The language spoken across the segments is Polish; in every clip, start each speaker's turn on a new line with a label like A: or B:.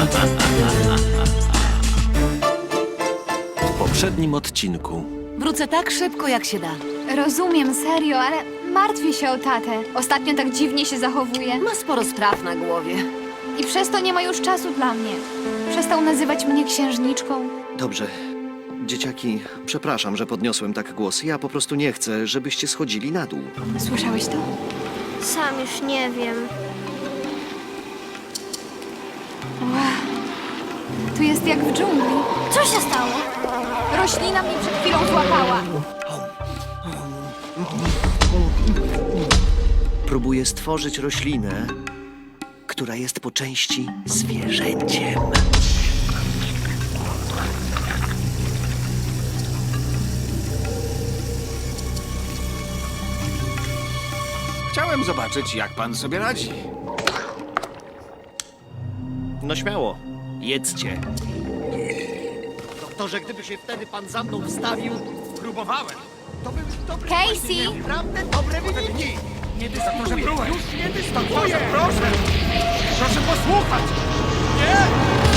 A: W poprzednim odcinku.
B: Wrócę tak szybko, jak się da.
C: Rozumiem, serio, ale martwię się o tatę. Ostatnio tak dziwnie się zachowuje.
B: Ma sporo spraw na głowie.
C: I przez to nie ma już czasu dla mnie. Przestał nazywać mnie księżniczką.
D: Dobrze. Dzieciaki, przepraszam, że podniosłem tak głos. Ja po prostu nie chcę, żebyście schodzili na dół.
C: Słyszałeś to?
E: Sam już nie wiem.
C: Tu jest jak w dżungli.
E: Co się stało?
C: Roślina mnie przed chwilą złapała.
D: Próbuję stworzyć roślinę, która jest po części zwierzęciem.
F: Chciałem zobaczyć, jak pan sobie radzi.
D: No śmiało, jedzcie. Doktorze, gdyby się wtedy pan za mną wstawił,
F: Próbowałem.
D: to by dobry
C: Casey!
D: naprawdę dobre wyniki.
F: Nie dyskutuję. Już nie dyskutuję. Proszę. Proszę posłuchać. Nie!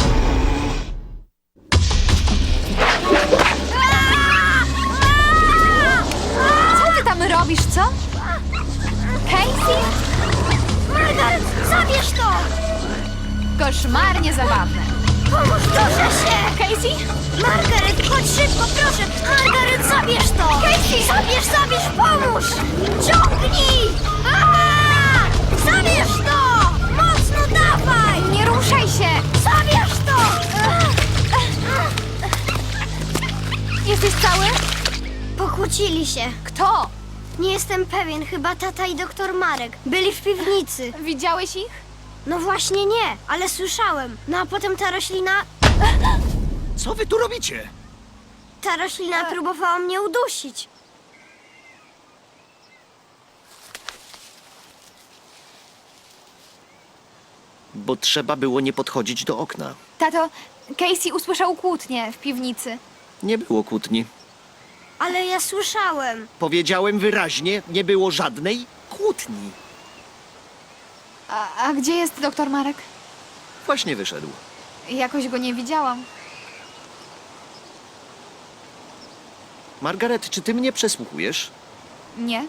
C: Co ty tam robisz, co? Casey?
E: Margaret, zabierz to!
C: Koszmarnie zabawne.
E: Pomóż, proszę się!
C: Casey?
E: Margaret, chodź szybko, proszę! Margaret, zabierz to! Casey! Zabierz, pomóż! Ciągnij! Aaa! Zabierz to! Mocno dawaj!
C: Nie ruszaj się!
E: Zabierz to!
C: Jesteś cały?
E: Pokłócili się.
C: Kto?
E: Nie jestem pewien, chyba tata i doktor Marek. Byli w piwnicy.
C: Widziałeś ich?
E: No właśnie nie, ale słyszałem. No a potem
D: Co wy tu robicie?
E: ta roślina próbowała mnie udusić.
D: Bo trzeba było nie podchodzić do okna.
C: Tato, Casey usłyszał kłótnię w piwnicy.
D: Nie było kłótni.
E: Ale ja słyszałem.
D: Powiedziałem wyraźnie, nie było żadnej kłótni.
C: A gdzie jest doktor Marek?
D: Właśnie wyszedł.
C: Jakoś go nie widziałam.
D: Margaret, czy ty mnie przesłuchujesz?
C: Nie?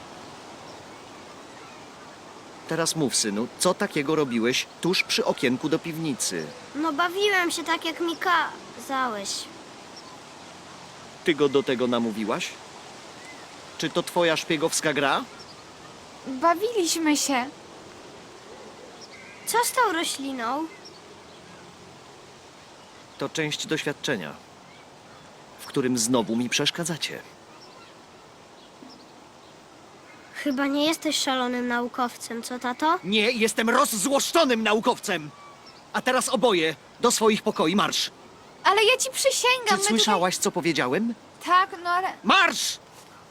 D: Teraz mów, synu, co takiego robiłeś tuż przy okienku do piwnicy?
E: No bawiłem się tak, jak mi kazałeś.
D: Ty go do tego namówiłaś? Czy to twoja szpiegowska gra?
C: Bawiliśmy się.
E: Co z tą rośliną?
D: To część doświadczenia, w którym znowu mi przeszkadzacie.
E: Chyba nie jesteś szalonym naukowcem, co tato?
D: Nie, jestem rozzłoszczonym naukowcem! A teraz oboje do swoich pokoi marsz!
C: Ale ja ci przysięgam,
D: Czy słyszałaś, co powiedziałem?
C: Tak, no ale...
D: Marsz!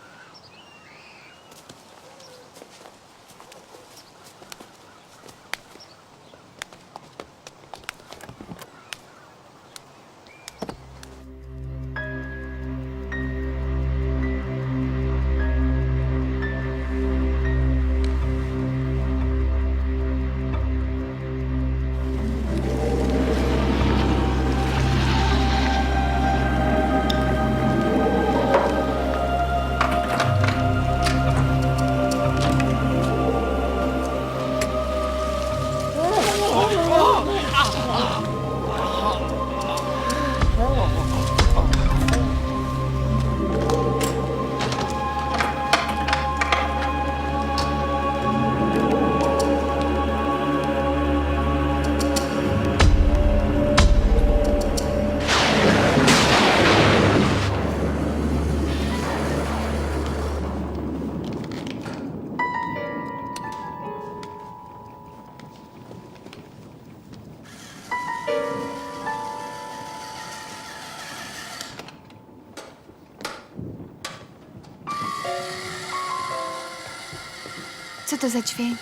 C: Co to za dźwięk?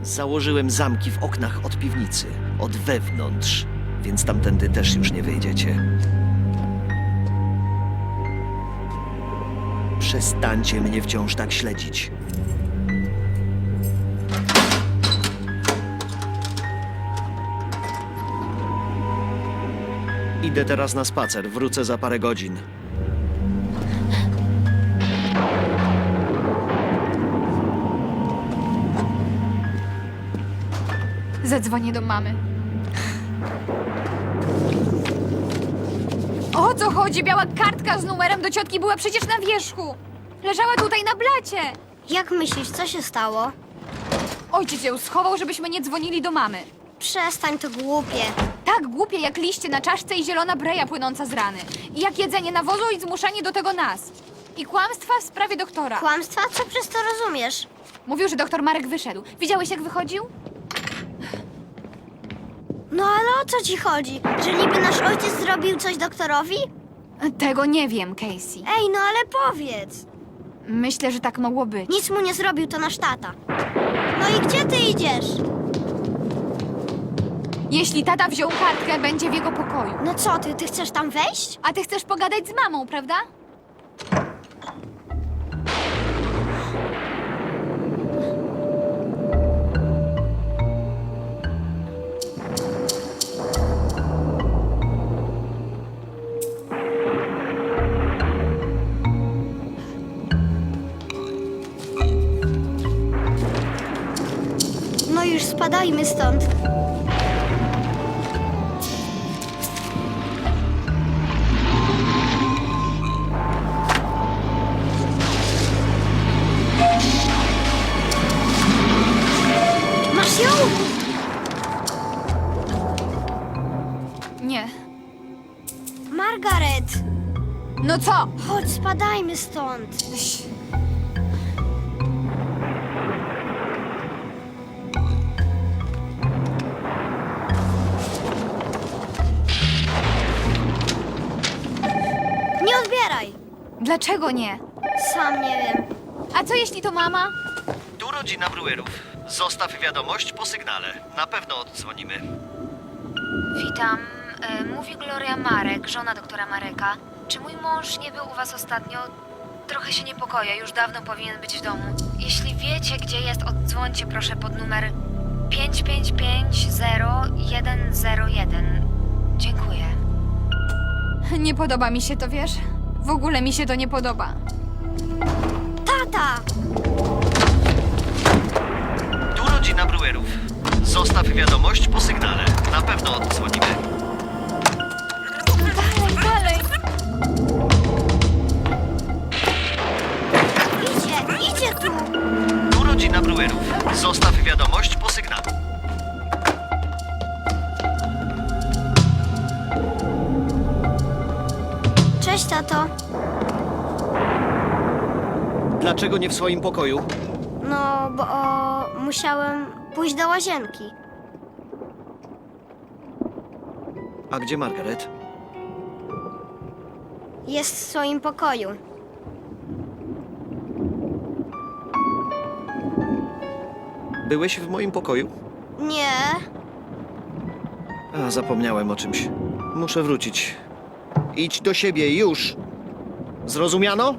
D: Założyłem zamki w oknach od piwnicy, od wewnątrz, więc tamtędy też już nie wyjdziecie. Przestańcie mnie wciąż tak śledzić. Idę teraz na spacer, wrócę za parę godzin.
C: Zadzwonię do mamy. O co chodzi? Biała kartka z numerem do ciotki była przecież na wierzchu. Leżała tutaj na blacie.
E: Jak myślisz, co się stało?
C: Ojciec ją schował, żebyśmy nie dzwonili do mamy.
E: Przestań, to głupie.
C: Tak głupie jak liście na czaszce i zielona breja płynąca z rany. I jak jedzenie nawozu i zmuszanie do tego nas. I kłamstwa w sprawie doktora.
E: Kłamstwa? Co przez to rozumiesz?
C: Mówił, że doktor Marek wyszedł. Widziałeś, jak wychodził?
E: No ale o co ci chodzi? Że niby nasz ojciec zrobił coś doktorowi?
C: Tego nie wiem, Casey.
E: Ej, no ale powiedz.
C: Myślę, że tak mogło być.
E: Nic mu nie zrobił, to nasz tata. No i gdzie ty idziesz?
C: Jeśli tata wziął kartkę, będzie w jego pokoju.
E: No co ty chcesz tam wejść?
C: A ty chcesz pogadać z mamą, prawda?
E: No już spadajmy stąd. Masz ją?
C: Nie.
E: Margaret!
C: No co?
E: Chodź, spadajmy stąd. Nie odbieraj!
C: Dlaczego nie?
E: Sam nie wiem.
C: A co jeśli to mama?
D: Tu rodzina Brewerów. Zostaw wiadomość po sygnale. Na pewno oddzwonimy.
G: Witam. Mówi Gloria Marek, żona doktora Mareka. Czy mój mąż nie był u was ostatnio? Trochę się niepokoję, już dawno powinien być w domu. Jeśli wiecie, gdzie jest, oddzwońcie proszę pod numer 5550101. Dziękuję.
C: Nie podoba mi się to, wiesz? W ogóle mi się to nie podoba.
E: Tata!
D: Tu rodzina Brewerów. Zostaw wiadomość po sygnale. Na pewno oddzwonimy.
C: Dalej, dalej!
E: Idzie tu!
D: Tu rodzina Brewerów. Zostaw wiadomość po sygnale.
E: Cześć, tato.
D: Dlaczego nie w swoim pokoju?
E: No, bo musiałem pójść do łazienki.
D: A gdzie Margaret?
E: Jest w swoim pokoju.
D: Byłeś w moim pokoju?
E: Nie.
D: A, zapomniałem o czymś. Muszę wrócić. Idź do siebie, już! Zrozumiano?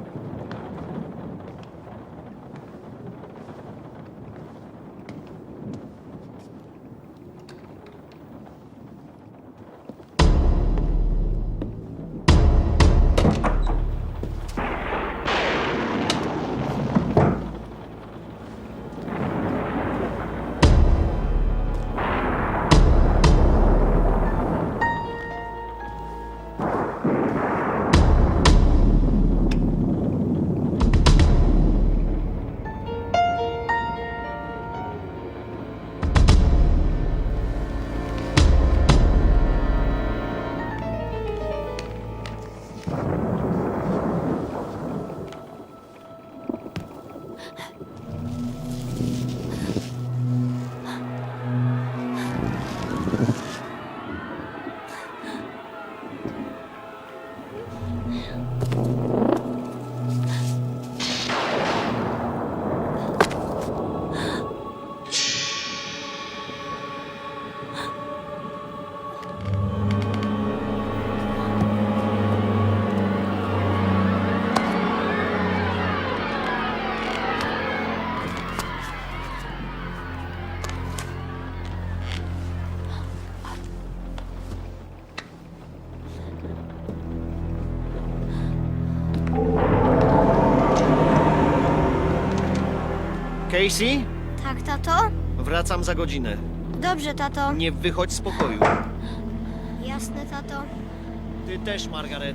D: Casey?
E: Tak, tato?
D: Wracam za godzinę.
E: Dobrze, tato.
D: Nie wychodź z pokoju.
E: Jasne, tato.
D: Ty też, Margaret.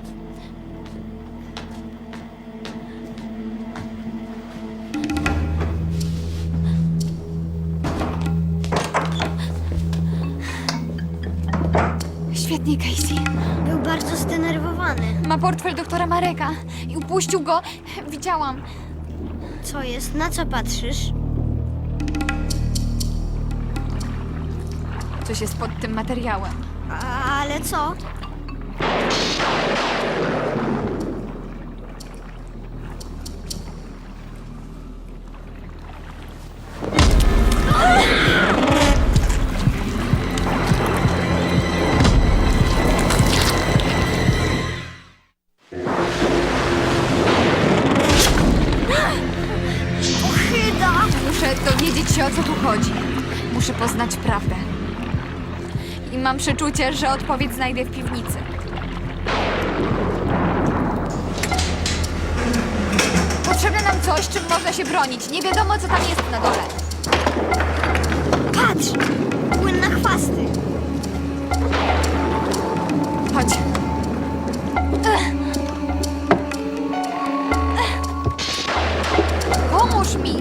C: Świetnie, Casey.
E: Był bardzo zdenerwowany.
C: Ma portfel doktora Mareka i upuścił go. Widziałam.
E: Co jest? Na co patrzysz?
C: Coś jest pod tym materiałem.
E: Ale co?
C: Muszę dowiedzieć się, o co tu chodzi. Muszę poznać prawdę. I mam przeczucie, że odpowiedź znajdę w piwnicy. Potrzebne nam coś, czym można się bronić. Nie wiadomo, co tam jest na dole.
E: Patrz! Płyn na chwasty.
C: Chodź. Pomóż mi.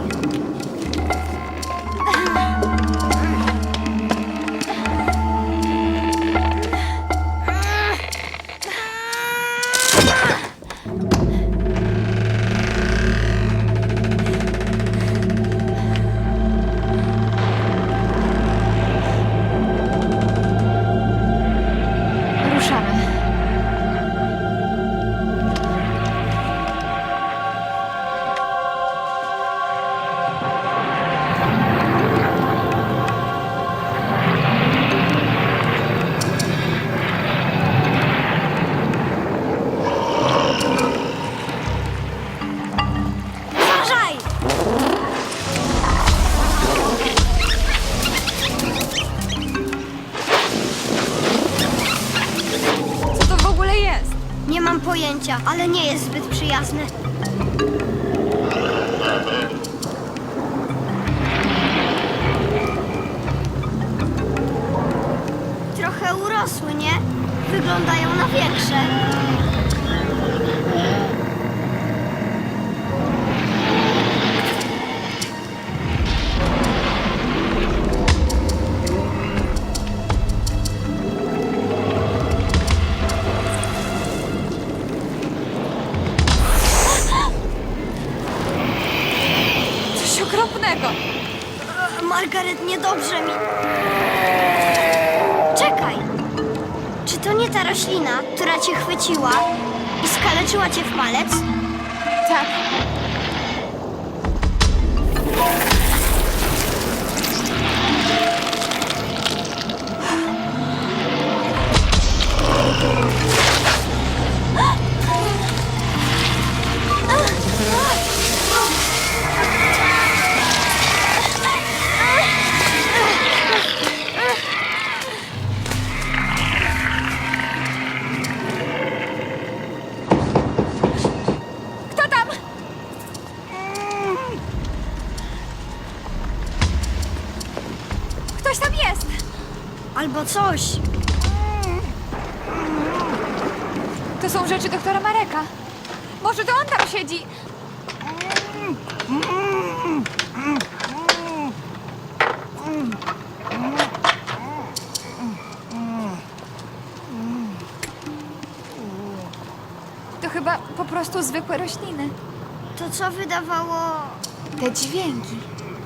C: Ruszamy.
E: Uważaj!
C: Co to w ogóle jest?
E: Nie mam pojęcia, ale nie jest zbyt przyjazny. Trochę urosły, nie? Wyglądają na większe.
C: Coś okropnego.
E: Margaret, niedobrze mi. Czekaj! Czy to nie ta roślina, która cię chwyciła i skaleczyła cię w palec?
C: Tak. Kto tam? Ktoś tam jest.
E: Albo coś.
C: To są rzeczy doktora Mareka. Może to on tam siedzi. To chyba po prostu zwykłe rośliny.
E: To co wydawało...
C: Te dźwięki.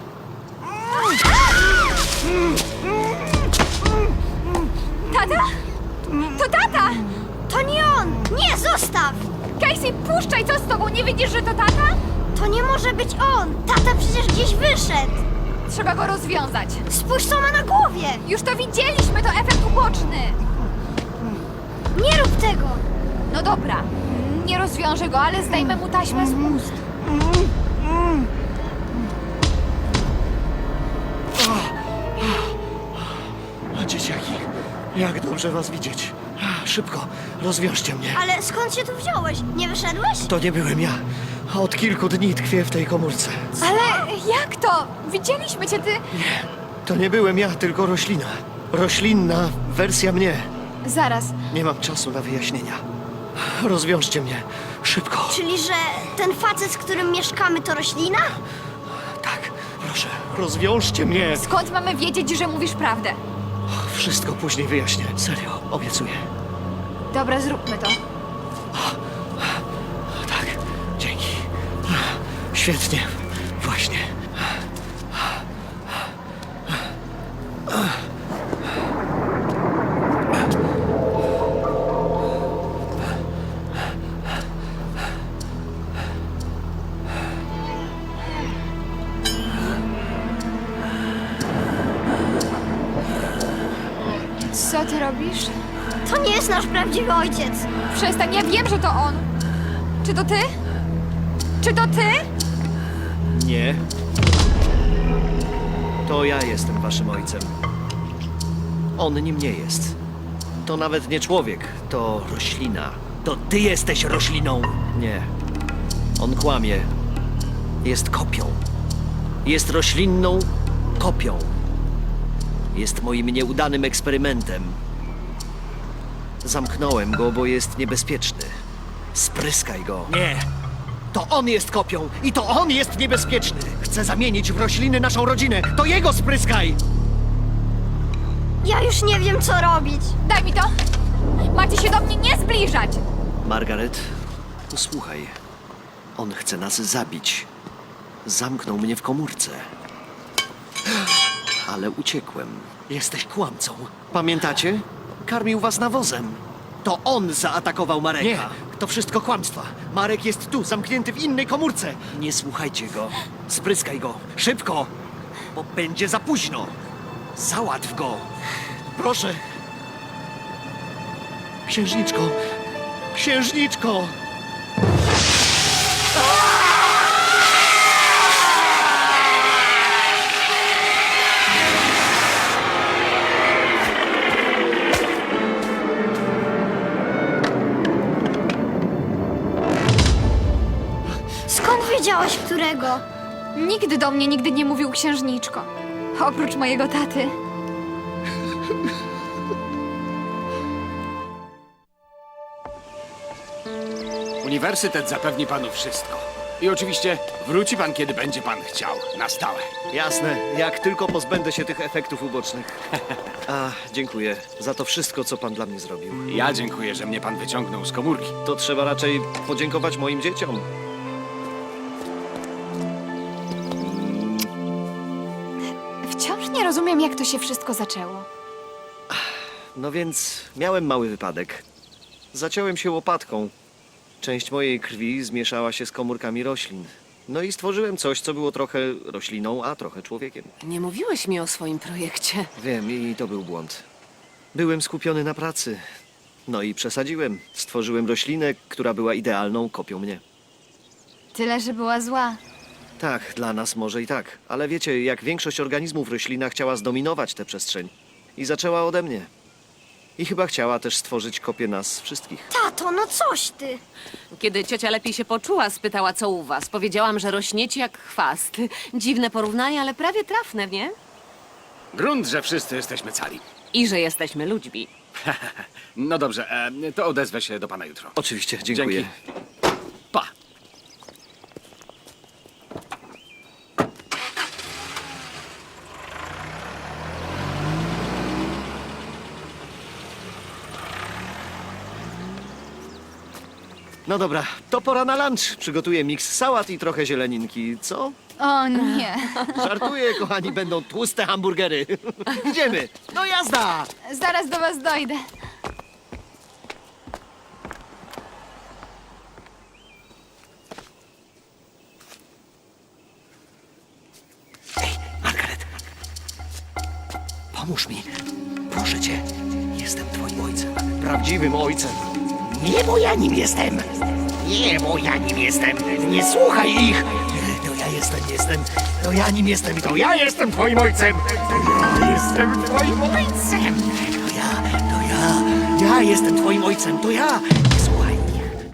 C: Tata? To tata!
E: To nie on! Nie, zostaw!
C: Casey, puszczaj, co z tobą? Nie widzisz, że to tata?
E: To nie może być on! Tata przecież gdzieś wyszedł!
C: Trzeba go rozwiązać.
E: Spójrz, co ma na głowie!
C: Już to widzieliśmy, to efekt uboczny.
E: Nie rób tego!
C: No dobra, nie rozwiążę go, ale zdejmę mu taśmę z ust.
D: Dzieciaki, jak dobrze was widzieć. Szybko, rozwiążcie mnie.
E: Ale skąd się tu wziąłeś? Nie wyszedłeś?
D: To nie byłem ja. Od kilku dni tkwię w tej komórce.
C: Ale Jak to? Widzieliśmy cię, ty...
D: To nie byłem ja, tylko roślina. Roślinna wersja mnie.
C: Zaraz.
D: Nie mam czasu na wyjaśnienia. Rozwiążcie mnie. Szybko.
E: Czyli, że ten facet, z którym mieszkamy, to roślina?
D: Tak, proszę, rozwiążcie mnie.
C: Skąd mamy wiedzieć, że mówisz prawdę?
D: Wszystko później wyjaśnię. Serio, obiecuję.
C: Dobra, zróbmy to.
D: Tak, dzięki. Świetnie, właśnie.
C: Co ty robisz?
E: To nie jest nasz prawdziwy ojciec.
C: Przestań, ja wiem, że to on. Czy to ty? Czy to ty?
D: Nie. To ja jestem waszym ojcem. On nim nie jest. To nawet nie człowiek, to roślina. To ty jesteś rośliną. Nie. On kłamie. Jest kopią. Jest roślinną kopią. Jest moim nieudanym eksperymentem. Zamknąłem go, bo jest niebezpieczny. Spryskaj go. Nie. To on jest kopią i to on jest niebezpieczny. Chce zamienić w rośliny naszą rodzinę. To jego spryskaj!
E: Ja już nie wiem, co robić.
C: Daj mi to! Macie się do mnie nie zbliżać!
D: Margaret, posłuchaj. On chce nas zabić. Zamknął mnie w komórce. Ale uciekłem. Jesteś kłamcą. Pamiętacie? Karmił was nawozem. To on zaatakował Mareka. Nie, to wszystko kłamstwa. Marek jest tu, zamknięty w innej komórce. Nie słuchajcie go. Spryskaj go. Szybko, bo będzie za późno. Załatw go. Proszę. Księżniczko. Księżniczko.
E: Skąd wiedziałeś, którego?
C: Nigdy do mnie nigdy nie mówił księżniczko. Oprócz mojego taty.
F: Uniwersytet zapewni panu wszystko. I oczywiście wróci pan, kiedy będzie pan chciał. Na stałe.
D: Jasne, jak tylko pozbędę się tych efektów ubocznych. A, dziękuję za to wszystko, co pan dla mnie zrobił.
F: Ja dziękuję, że mnie pan wyciągnął z komórki.
D: To trzeba raczej podziękować moim dzieciom.
C: Wciąż nie rozumiem, jak to się wszystko zaczęło.
D: No więc miałem mały wypadek. Zaciąłem się łopatką. Część mojej krwi zmieszała się z komórkami roślin. No i stworzyłem coś, co było trochę rośliną, a trochę człowiekiem.
B: Nie mówiłeś mi o swoim projekcie.
D: Wiem, i to był błąd. Byłem skupiony na pracy. No i przesadziłem. Stworzyłem roślinę, która była idealną kopią mnie.
C: Tyle, że była zła.
D: Tak, dla nas może i tak. Ale wiecie, jak większość organizmów roślina chciała zdominować tę przestrzeń. I zaczęła ode mnie. I chyba chciała też stworzyć kopię nas wszystkich.
E: Tato, no coś ty.
B: Kiedy ciocia lepiej się poczuła, spytała, co u was. Powiedziałam, że rośniecie jak chwast. Dziwne porównanie, ale prawie trafne, nie?
F: Grunt, że wszyscy jesteśmy cali.
B: I że jesteśmy ludźmi.
F: No dobrze, to odezwę się do pana jutro.
D: Oczywiście, dziękuję.
F: Dzięki. Pa.
D: No dobra, to pora na lunch. Przygotuję miks sałat i trochę zieleninki, co?
C: O nie.
D: Żartuję, kochani, będą tłuste hamburgery. Idziemy, no jazda!
C: Zaraz do was dojdę.
D: Margaret, pomóż mi. Proszę cię, jestem twoim ojcem. Prawdziwym ojcem.
H: Nie, bo ja nim jestem. Nie, bo ja nim jestem. Nie słuchaj ich.
D: To ja jestem. To ja nim jestem i to ja
H: Jestem twoim ojcem. Ja jestem twoim ojcem.
D: Ja jestem twoim ojcem, to ja. Nie słuchaj ich.